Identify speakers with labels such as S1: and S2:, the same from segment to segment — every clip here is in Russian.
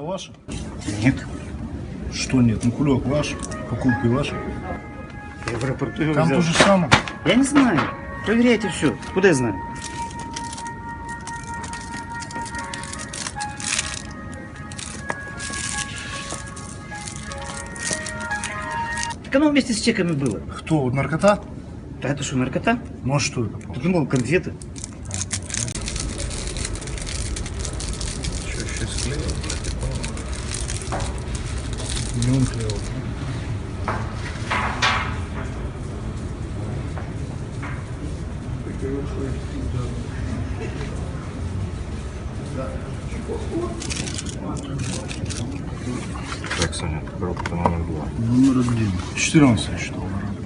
S1: Это ваше?
S2: Нет.
S1: Что нет? Ну кулек ваш, покупки ваши.
S2: Я в аэропорту его
S1: Там
S2: взял.
S1: то же самое.
S2: Я не знаю. Проверяйте все. Куда я знаю? Так оно вместе с чеками было.
S1: Кто? Вот наркота?
S2: Да это что, наркота?
S1: Ну а что это?
S2: Ты думал, конфеты?
S1: Что, еще склеил? Не он клеил.
S3: Так, Саня, коробка номер 2.
S1: Номер 1. 14 я считал.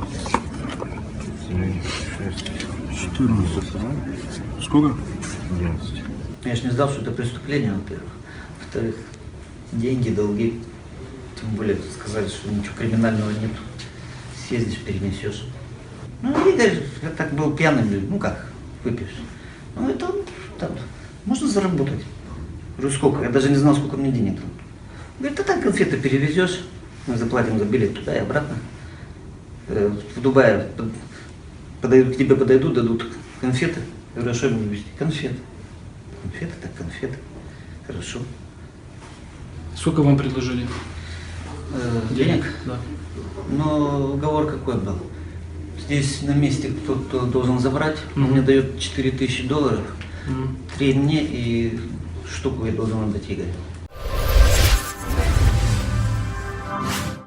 S1: 14. Сколько?
S3: 11.
S4: Я же не знал, что это преступление, во-первых. Во-вторых, деньги, долги. Тем более сказали, что ничего криминального нет. Съездишь, перенесешь. Ну, Игорь, я так был пьяным, ну как, выпьешь. Ну, это там, можно заработать. Говорю, сколько? Я даже не знал, сколько мне денег там. Говорит, так конфеты перевезешь, мы заплатим за билет туда и обратно. В Дубае подойдут, к тебе подойдут, дадут конфеты. Я говорю, а что я буду везти? Конфеты. Конфеты, так конфеты. Хорошо.
S5: Сколько вам предложили?
S4: Денег?
S5: Да.
S4: Но уговор какой был? Здесь на месте кто-то должен забрать, он мне дает $4000, 3 мне и штуку я должен отдать Игорю.